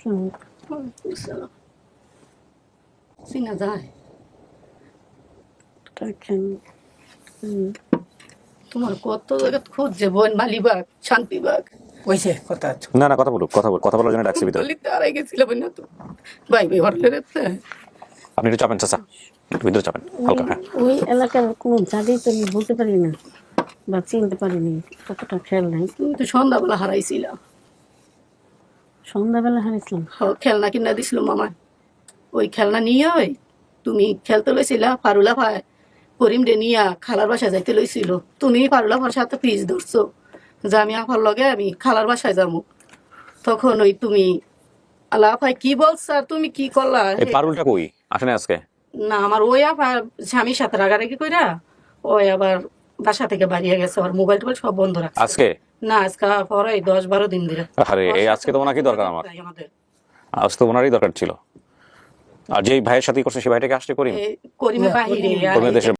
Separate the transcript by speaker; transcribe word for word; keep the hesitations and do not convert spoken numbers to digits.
Speaker 1: চিনা যায় তোমার কত জায়গা খুঁজছে বোন মালিবাগ শান্তিবাগ
Speaker 2: কইছে কথা
Speaker 3: না না কথা বলুক কথা বল কথা বলার জন্য ডাকছি ভিতরে
Speaker 1: গলিতে আড়াই গেছিলাম না তো ভাই ভাই হরলে রে
Speaker 3: আপনি একটু চাপেন চাচা একটু ভিতরে চাপেন হালকা হ্যাঁ
Speaker 4: ওই এলাকার কোনো জায়গায় তো আমি বলতে পারি না বা চিনতে পারিনি, কতটা খেয়াল নাই।
Speaker 1: তুমি তো সন্ধ্যাবেলা হারাইছিলা।
Speaker 4: সন্ধ্যাবেলা হারাইছিলাম?
Speaker 1: খেলনা কিনা দিছিল মামা, ওই খেলনা নিয়ে ওই তুমি খেলতে লইছিলা পারুলা ভাই করিম রে নিয়া খালার বাসায় যাইতে লইছিল। তুমি পারুলা ভাইয়ের সাথে পিস ধরছো যে আমি আপার লগে আমি খালার বাসায় যাবো। তখন ওই তুমি আল্লাহ ভাই কি বলছ আর তুমি কি করলা?
Speaker 3: এই পারুলটা কই আসেন আজকে?
Speaker 1: না আমার ওই আবার স্বামীর সাথে রাগারাগি কইরা ওই আবার বাসা থেকে বাড়িয়ে গেছে, আর মোবাইল টোবাইল সব বন্ধ রাখছে।
Speaker 3: আজকে
Speaker 1: না আজকে পরে দশ বারো দিন ধরে।
Speaker 3: আরে এই আজকে তো ওনাকেই দরকার আমার,
Speaker 1: আমাদের
Speaker 3: আজ তো ওনারই দরকার ছিল। আর যেই ভাইয়ের সাথে করছে সেই ভাইটাকে আসতে করিম
Speaker 1: করিমে বাহিরে
Speaker 3: করিমের দেশের